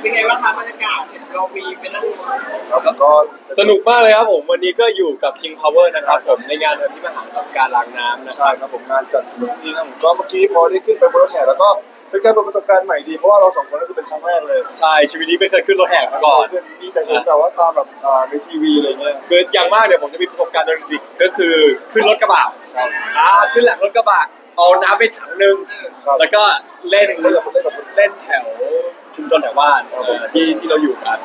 เป็นไงบ้างคะบรรยากาศเห็นเรามีเป็นนั่งครับก็สนุกมากเลยครับผมวันนี้ก็อยู่กับ King Power นะครับผมในงานวันที่มหาสงกรานต์ล้างน้ำนะคใช่รับครับผมงานจัดนี่นะผมก็เมื่อกี้พอได้ขึ้นไปบนรถแห่แล้วก็เป็นการเปิดประสบการณ์ใหม่ดีเพราะว่าเราสองคนก็คือเป็นครั้งแรกเลยใช่ชีวิตนี้ไม่เคยขึ้นรถแห่มาก่อนมีแต่เห็นแบบว่าตามแบบในทีวีอะไรเงี้ยคืออย่างมากเนี่ยผมจะมีประสบการณ์โดยดิกก็คือขึ้นรถกระบะครับขึ้นหลังรถกระบะเอาน้ำไปถังนึงครับแล้วก็เล่นเล่นกับเล่นกับเล่นแถวชุมชนแถวบ้านที่เราอยู่กัน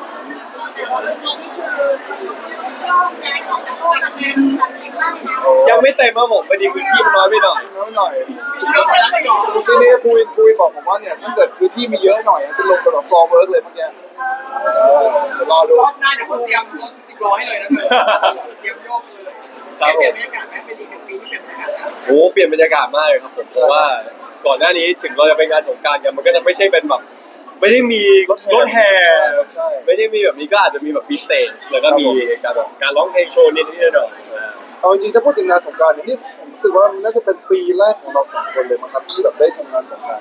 ยังไม่เต็มครับผมพอดีพื้นที่มันน้อยไปหน่อยน้อยหน่อยเยอะแล้วไม่หรอเมื่อกี้นี้ปูวินบอกผมว่าเนี่ยถ้าเกิดพื้นที่มีเยอะหน่อยจะลงไปแบบฟลอร์เวิร์กเลยเมื่อกี้เดี๋ยวรอดูรอบหน้าเดี๋ยวผมเตรียมรถ10 ล้อให้เลยนะเธอเตรียมโยกเลยเปลี่ยนบรรยากาศไหมเป็นอีก1 ปีที่เปลี่ยนบรรยากาศนะโอ้เปลี่ยนบรรยากาศมากเลยครับผมเพราะว่าก่อนหน้านี้ถึงเราจะไปงานสงกรานต์กันมันก็จะไม่ใช่เป็นแบบไม่ได้มีรถแห่ใช่ไม่ได้มีแบบนี้ก็อาจจะมีแบบมีสเตจแล้วก็มีการแบบการร้องเพลงโชว์นิดๆหน่อยๆเอาจริงๆถ้าพูดถึงงานสงกรานต์เนี่ยนี่ผมรู้สึกว่ามันน่าจะเป็นปีแรกของเราสองคนเลยมั้งครับที่แบบได้ทำงานสงกรานต์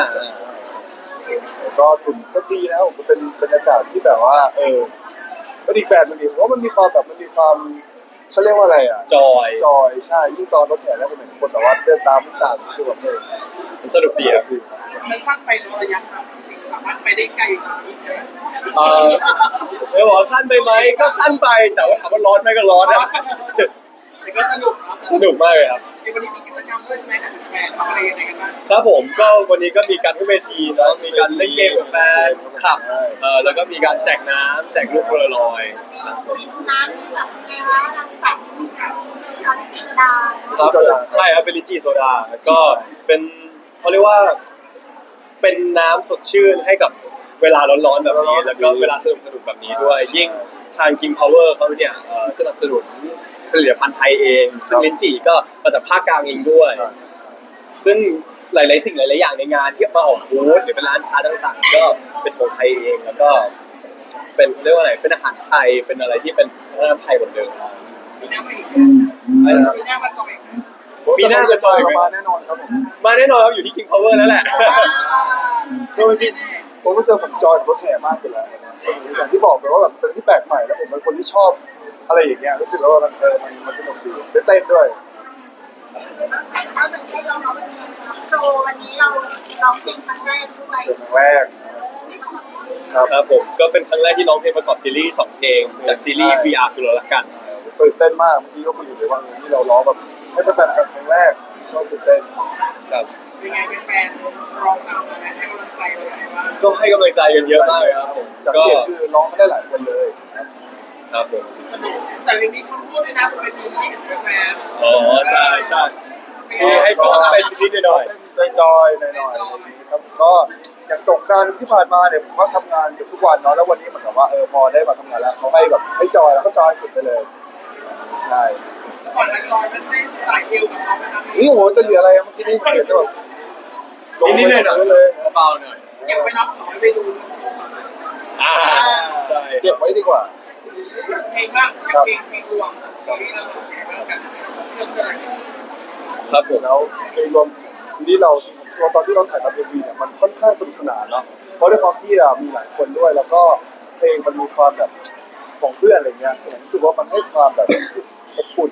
ก็ถึงก็ดีนะผมเป็นบรรยากาศที่แบบว่ามันอีกแบบนึงดีเพราะมันมีความแบบมันมีความเขาเรียกว่าอะไรอ่ะจอยจอยใช่ยิ่งตอนรถแห่แล้วผมเห็นคนแบบว่าเดินตามวิ่งตามรู้สึกแบบมันสนุกดีครับมันสั้นไประยะทางจริงๆสามารถไปได้ไกลกว่านี้เลยเดี๋ยวบอกว่าสั้นไปไหมก็สั้นไปแต่ว่าถามว่าร้อนไหมก็ร้อนนะแต่ก็สนุกนะสนุกมากเลยครับในวันนี้มีกิจกรรมด้วยใช่ไหมกับแฟนทำอะไรยังไงกันบ้างครับผมก็วันนี้ก็มีการขึ้นเวทีแล้วมีการเล่นเกมกับแฟนคลับแล้วก็มีการแจกน้ำแจกลูกโพลารอยด์ครับผมน้ำแบบไงวะน้ำใสตอนจินดาครับผมใช่ครับเป็นลินจีโซดาก็เป็นเขาเรียกว่าเป็นน้ำสดชื่นให้กับเวลาร้อนๆแบบนี้แล้วก็เวลาสนุกๆแบบนี้ด้วยยิ่งทาง King Power เขาเนี่ยสนับสนุนผลิตภัณฑ์ไทยเองซึ่งลินจีก็มาจากภาคกลางเองด้วย ซึ่งหลายๆสิ่งหลายๆอย่างในงานที่มาออกบูธหรือเป็นร้านค้าต่างๆก็เป็นของไทยเองแล้วก็เป็นเรียกว่าอะไรเป็นอาหารไทยเป็นอะไรที่เป็นวัฒนธรรมไทยหมดเลยมีหน้ามาอีกมีหน้ามาจอยมีหน้ากระจอยมาแน่นอนครับผมมาแน่นอนครับอยู่ที่ King Power แล้วแหละคือจริงๆผมรู้สึกผมจอยรถแห่มากสุดแล้วอย่างที่บอกไปว่าแบบเป็นที่แปลกใหม่แล้วผมเป็นคนที่ชอบอะไรอย่างเงี้ยรู้สึกว่ามันสนุกดีได้เต้นด้วยเราถึงได้ลองมาวันนี้โชว์วันนี้เราร้องเพลงครั้งแรกด้วยเป็นครั้งแรกครับครับผมก็เป็นครั้งแรกที่ร้องเพลงประกอบซีรีส์2เพลงจากซีรีส์ VR คือเรารักกันตื่นเต้นมากเมื่อกี้ก็คุยอยู่เลยว่าที่เราร้องแบบให้แฟนๆครั้งแรกก็ตื่นเต้นครับเป็นไงเป็นแฟนร้องตามนะให้กำลังใจเลยว่าก็ให้กำลังใจกันเยอะมากเลยครับผมจากก็ที่เห็นคือร้องไม่ได้หลายคนเลยครับผมสนุกแต่ยังมีคนพูดด้วยนะผมไปทีที่เห็นแฟนอ๋อใช่ใช่ที่ให้ก็เป็นนิดๆหน่อยจอยๆหน่อยๆครับก็อย่างสงกรานต์ที่ผ่านมาเนี่ยผมก็ทำงานเกือบทุกวันเนาะแล้ววันนี้เหมือนกับว่าพอได้มาทำงานแล้วเขาให้แบบให้จอยแล้วก็จอยสุดไปเลยใช่ก่อนจะจอยมันได้สายเอวกับเขาไหมครับนี่โหจะเหลืออะไรเมื่อกี้นี่เห็นแบบๆนิดๆหน่อยๆเลยเบาๆหน่อยเก็บไว้นับหน่อยไปดูโชว์อ่าใช่เก็บไว้ดีกว่าเพลงบ้างเพลงรวมที่เราแข่งกันเรื่องอะไรครับผมแล้วในรวมซีรีส์เราจริงๆผมตอนที่เราถ่ายทำเอ็มวีเนี่ยมันค่อนข้างสนุกสนานเนาะเพราะด้วยความที่มีหลายคนด้วย แล้วก็เพลงมันมีความแบบของเพื่อนอะไรเงี้ยผมรู้สึกว่ามันให้ความแบบอบอุ่น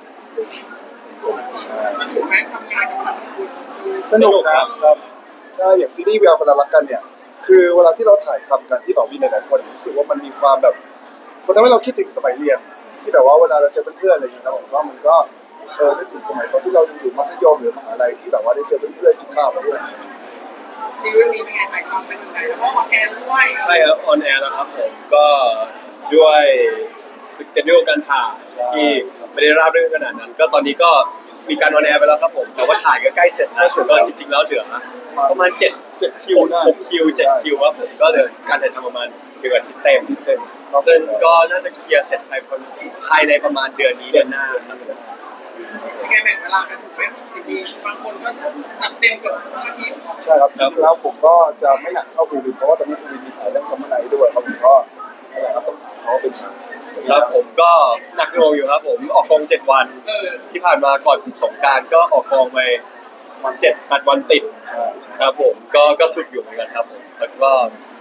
มันถูกไหมทำงานกับทางคุณสนุกนะครับใช่อย่างซีรีส์เวลาคนรักกันเนี่ยคือเวลาที่เราถ่ายทำกันที่แบบมีหลายๆคนรู้สึกว่ามันมีความแบบมันทำให้เราคิดถึงสมัยเรียนที่แบบว่าเวลาเราเจอเพื่อนๆอะไรอย่างเงี้ยครับผมว่ามันก็นึกถึงสมัยตอนที่เรายังอยู่มัธยมหรือมหาลัยที่แบบว่าได้เจอเพื่อนๆกินข้าวมาด้วยซีรีส์นี้เป็นไงถ่ายทำเป็นยังไงแล้วก็มาแคนด้วยใช่ครับออนแอร์แล้วครับผมก็ด้วยสเกจดิวการถ่ายที่ไม่ได้ราบรื่นขนาดนั้น ก็ตอนนี้ก็มีการออนแอร์ไปแล้วครับผมแต่ว่าถ่ายก็ใกล้เสร็จแล้วก็จริงๆแล้วเหลือประมาณ7คิว6คิว7คิวครับผมก็เหลือการถ่ายทำประมาณ1 อาทิตย์เต็มซึ่งก็น่าจะเคลียร์เสร็จภายในประมาณเดือนนี้เดือนหน้าครับเป็นไงแบ่งเวลากันถูกไหมดีบางคนก็จัดเต็มกับทุกอาทิตย์ใช่ครับจริงๆแล้วผมก็จะไม่หนักเท่าภูวินเพราะว่าตอนนี้ภูวินมีถ่ายเรื่องซัมเมอร์ไนท์ด้วยครับผมก็อะไรครับต้องถามเขาว่าเป็นยังไงครับผมก็หนักหน่วงอยู่ครับผมออกกอง7 วันที่ผ่านมาก่อนสงกรานต์ก็ออกกองไป7-8 วันติดใช่ครับผมก็สุดอยู่เหมือนกันครับผมแล้วก็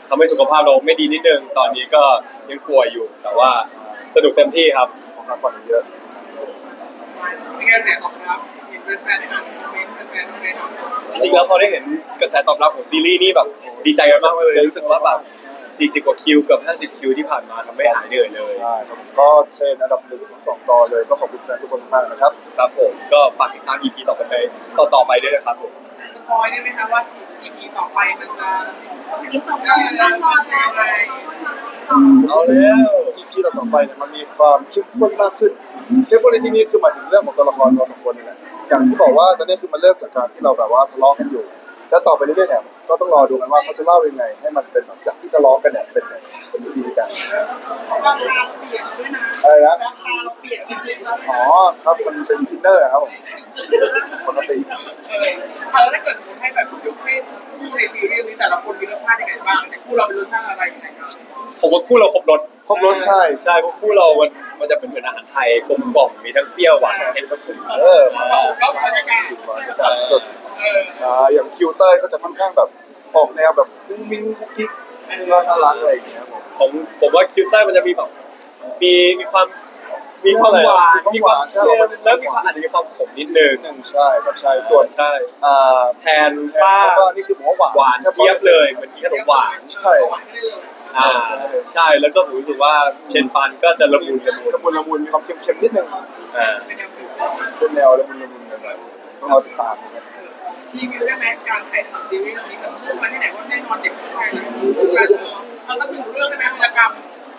ทำให้สุขภาพเราไม่ดีนิดนึงตอนนี้ก็ยังป่วยอยู่แต่ว่าสนุกเต็มที่ครับของการผ่อนเยอะเป็นไงเสียงตอบรับเห็นแฟนๆได้อ่านคอมเมนต์แฟนๆคอมเมนต์จริงๆแล้วพอได้เห็นกระแสตอบรับของซีรีส์นี่แบบดีใจกันมากเลยรู้สึกว่าแบบ40 กว่าคิวเกือบ50 คิวที่ผ่านมาทำให้หายเหนื่อยเลยใช่ครับผมก็เทรนอันดับ1 ถึง 2 ตอนเลยก็ขอบคุณแฟนทุกคนมากนะครับครับผมก็ฝากติดตาม EP ต่อไปด้วยนะครับผมสปอยได้ไหมคะว่า EP ต่อไปมันจะมีสองคนนั่งรอแล้วเอาแล้ว EP ต่อไปเนี่ยมันมีความเข้มข้นมากขึ้นเข้มข้นในที่นี้คือหมายถึงเรื่องของตัวละครเราสองคนนี่แหละอย่างที่บอกว่าตอนนี้คือมันเริ่มจากการที่เราแบบว่าทะเลาะกันอยู่ แล้วต่อไปเรื่อยๆเนี่ยก็ต้องรอดูกันว่าเขาจะเล่ายังไง ให้มันเป็นแบบจากที่ทะเลาะกันเนี่ยเป็นดีกันราคาเราเปลี่ยนด้วยนะอะไรนะราคาเราเปลี่ยนนิดนึงแล้วอ๋อครับมันเป็นอินเนอร์ครับผมปกติแล้วถ้าเกิดสมมติให้แบบยกให้คู่ในซีรีส์นี้แต่ละคนมีรสชาติยังไงบ้างแต่คู่เราเป็นรสชาติอะไรยังไงครับผมว่าคู่เราครบรสครบรสใช่ใช่เพราะคู่เรามันจะเป็นเหมือนอาหารไทยกลมกล่อมมีทั้งเปรี้ยวหวานเผ็ดผสมมาก็บรรยากาศสดอย่างคิวเตอร์ก็จะค่อนข้างแบบออกแนวแบบมุ้งมิ้งกุ๊กกิ๊กน่ารักอะไรอย่างเงี้ยครับผมของผมว่าคิวใต้มันจะมีแบบมีความหวานมีความเค็มแล้วมีความอาจจะมีความขมนิดนึงหนึ่งใช่ครับใช่ส่วนใช่อ่าแทนป้าก็นี่คือผมว่าหวานเจี๊ยบเลยเหมือนกินขนมหวานใช่หวานได้เลยใช่แล้วก็ผมรู้สึกว่าเชนปันก็จะละมุนละมุนมีความเค็มๆนิดนึงอ่าเป็นแนวฟิวชั่นเป็นแนวละมุนเลยต้องรอติดตามนะครับรีวิวได้ไหมการถ่ายทำซีรีส์เรื่องนี้แบบพูดมาที่ไหนว่าแน่นอนเด็กผู้ชายเลยเอาสักหนึ่งเรื่องได้ไหมวรรณกรรม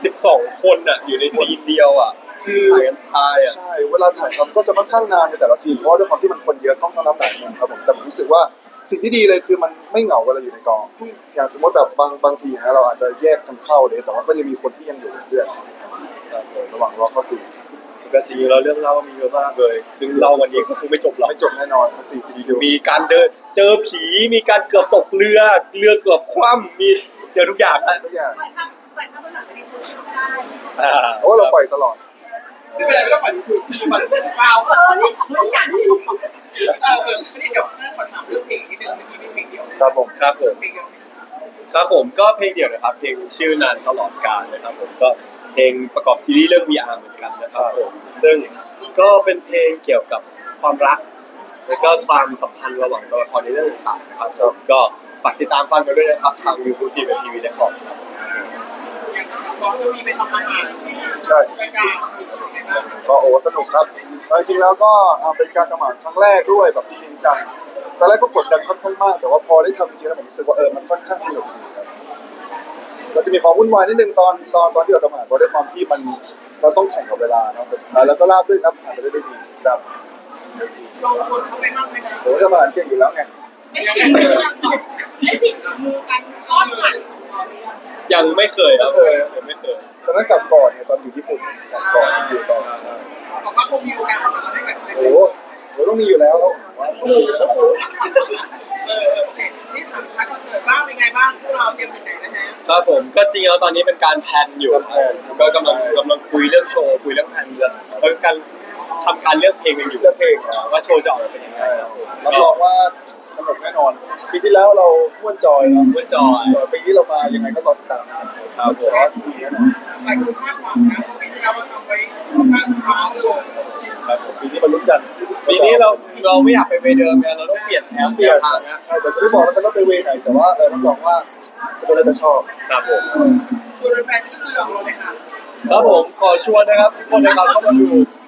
12 คนอ่ะอยู่ในซีนเดียวอ่ะคือถ่ายกันทายอ่ะใช่เวลาถ่ายทำก็จะค่อนข้างนานในแต่ละซีนเพราะว่าด้วยความที่มันคนเยอะต้องรับหลายมุมครับผมแต่ผมรู้สึกว่าสิ่งที่ดีเลยคือมันไม่เหงาเวลาอยู่ในกอง อย่างสมมติแบบบางทีนะเราอาจจะแยกกันเข้าเลยแต่ว่าก็ยังมีคนที่ยังอยู่เป็นเพื่อนระหว่างรอเข้าซีนก็จริงๆเราเรื่องเล่ามีเยอะมากเลยซึ่งเล่าวันนี้ก็คงไม่จบหรอกไม่จบแน่นอนซีซีดีมีการเดินเจอผีมีการเกือบตกเรือเกือบคว่ำมีเจอทุกอย่างนะทุกอย่างปล่อยภาพบนหลังในโซเชียลได้เพราะว่าเราปล่อยตลอดไม่เป็นไรไม่ต้องฝันคือฝันเปล่าเนี่ยมันอย่างที่ไม่ได้เดี๋ยวขอถามเรื่องเพลงนิดนึงเมื่อกี้มีเพลงเดียวครับผมครับผมเพลงเดียวครับผมก็เพลงเดี่ยวนะครับเพลงชื่อนานตลอดกาลนะครับผมก็เพลงประกอบซีรีส์เรื่อง VR เหมือนกันนะครับผมซึ่งก็เป็นเพลงเกี่ยวกับความรักแล้วก็ความสัมพันธ์ระหว่างตัวละครในเรื่องต่างๆนะครับผมก็ฝากติดตามฟังกันด้วยนะครับทาง YouTube GMTV Records ครับอย่างก่อนก็มีไปทำอาหารที่ใช่รายการก็โอ้สนุกครับจริงๆแล้วก็เป็นการทำอาหารครั้งแรกด้วยแบบจริงจังตอนแรกก็กดดันค่อนข้างมากแต่ว่าพอได้ทำจริงๆแล้วผมรู้สึกว่ามันค่อนข้างสนุกดีครับเราจะมีความวุ่นวายนิดนึงตอนที่เราทำอาหารเพราะด้วยความที่มันเราต้องแข่งกับเวลาเนาะแต่สุดท้ายแล้วก็ราบรื่นครับผ่านไปได้ด้วยดีครับลงคนเข้าไปมากไหมคะโอ้ทำอาหารเก่งอยู่แล้วไงได้ชิมมือกันก่อนได้ชิมมือกันก้อนหันยังไม่เคยครับยังไม่เคยตอนนั้นกลับก่อนเนี่ยตอนอยู่ญี่ปุ่นกลับก่อนอยู่ต่อใช่บอกว่าคงมีโอกาสมาได้แบบโอ้โหต้องมีอยู่แล้วว่าต้องมีอยู่แล้วโอเคนี่ถามคอนเสิร์ตบ้างเป็นไงบ้างพวกเราเตรียมถึงไหนนะฮะครับผมก็จริงแล้วตอนนี้เป็นการแพลนอยู่ก็กำลังคุยเรื่องโชว์คุยเรื่องแพลนแล้วการทำการเลือกเพลงกันอยู่เลือกเพลงว่าโชว์จะออกมาเป็นยังไงครับรับรองว่าสนุกแน่นอนปีที่แล้วเราม่วนจอยเนาะเมื่อจอยปีนี้เรามายังไงก็รอติดตามนะครับครับผมแต่ว่าดีแน่นอนหลายคนคาดหวังนะเพราะปีที่แล้วเราทำไปค่อนข้างเท้าเลยครับผมปีนี้มาลุ้นกันปีนี้เราไม่อยากไปเวย์เดิมไงเราต้องเปลี่ยนแผนเปลี่ยนทางนะใช่แต่จะไม่บอกแล้วกันว่าไปเวไหนแต่ว่ารับรองว่าทุกคนจะชอบครับผมชวนแฟนๆที่เรือของเราเลยค่ะครับผมขอชวนนะครับทุกคนนะครับเข้ามาดู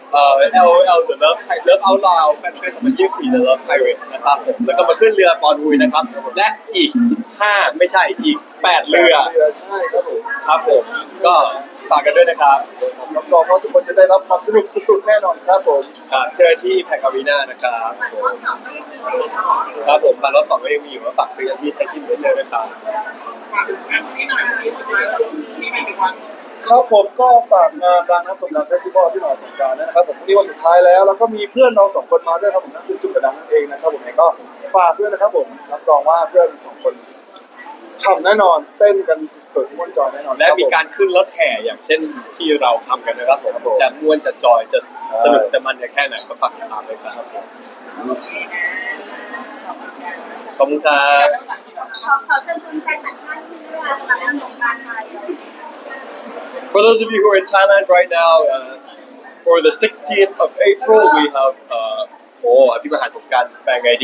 LOL The Love Out Loud Fan Fest 2024 The Love Pirates นะครับผมแล้วก็มาขึ้นเรือปอนวุยนะครับและอีก15ไม่ใช่อีก8เรือใช่ครับผมครับผมก็ฝากกันด้วยนะครับรับรองว่าทุกคนจะได้รับความสนุกสุดๆแน่นอนครับผมครับเจอที่ Impact Arena นะครับว่าสองก็ยังมีเลยเนาะครับผมบัตรรอบ2ก็ยังมีอยู่ว่าฝากซื้อกันที่ไทยคิมเมเจอร์ด้วยครับฝากถึงงานนี้หน่อยวันนี้สุดท้ายเรามีไม่กี่วันครับผมก็ฝากงานรางน้ำสงกรานต์เฟสติวัลที่หน่อยสงกรานต์นะครับผมพรุ่งนี้วันสุดท้ายแล้วแล้วก็มีเพื่อนเราสองคนมาด้วยครับผมนั่นคือจุดกระดังนั่นเองนะครับผมเองก็ฝากด้วยนะครับผมรับรองว่าเพื่อนสองคนฉ่ำแน่นอนเต้นกันสุดๆม่วนจอยแน่นอนและมีการขึ้นรถแห่อย่างเช่นที่เราทำกันนะครับผมจะม่วนจะจอยจะสนุกจะมันจะแค่ไหนก็ฝากติดตามเลยครับโอเคนะขอบคุณครับแล้วหลังจากขอเชิญชวนแฟนต่างชาติที่มาสำหรับงานสงกรานต์ไทย For those of you who are in Thailand right now, for the 16th of April, we have people had some bang ID.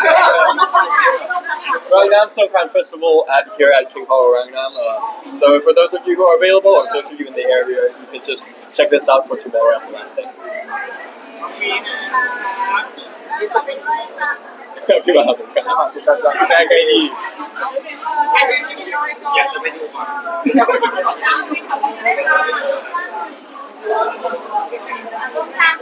Rangnam Songkran Festival here at King Hall Rangnam. So for those of you who are available, or those of you in the area, you can just check this out for tomorrow as the last day. ปีนะครับขอไปด้วยค่ะ Happy Mahal Songkran. มาสุดกันจัง Bang ID. อยากจะไปดูก่อนตรงกลาง